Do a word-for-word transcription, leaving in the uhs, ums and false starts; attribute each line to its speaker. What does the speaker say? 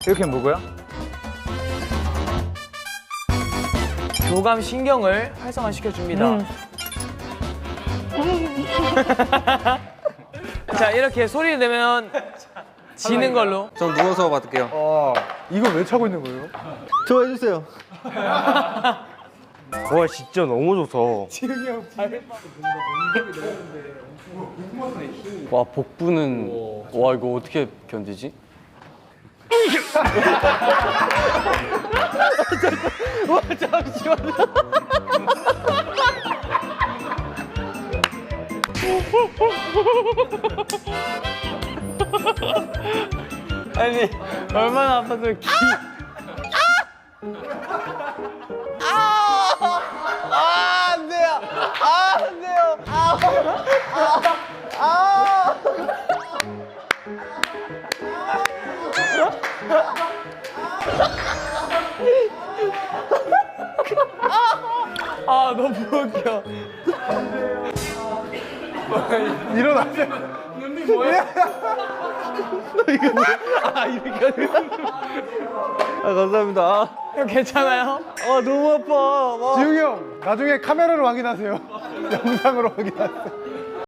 Speaker 1: 이렇게 뭐고요? 교감 신경을 활성화시켜 줍니다. 음. 자, 이렇게 소리를 내면 지는 걸로.
Speaker 2: 전 누워서 받을게요.
Speaker 3: 아, 이거 왜 차고 있는 거예요?
Speaker 2: 저 해주세요.
Speaker 4: 와 진짜 너무 좋다.
Speaker 3: 지웅이 형 발.
Speaker 2: 와 복부는 와 이거 어떻게 견디지?
Speaker 1: 와, 잠시만요. 아니, 얼마나 아파서 기. 아! 아, 안 돼요. 아, 안 돼요. 아! 아! 아, 너무 웃겨.
Speaker 3: 일어나세요.
Speaker 1: 눈이 뭐야? 이거 뭐야? 아, 이렇게 하는
Speaker 2: 아 감사합니다.
Speaker 1: 형 괜찮아요?
Speaker 2: 아 너무 아파. 와.
Speaker 3: 지웅이 형, 나중에 카메라로 확인하세요. 영상으로 확인하세요.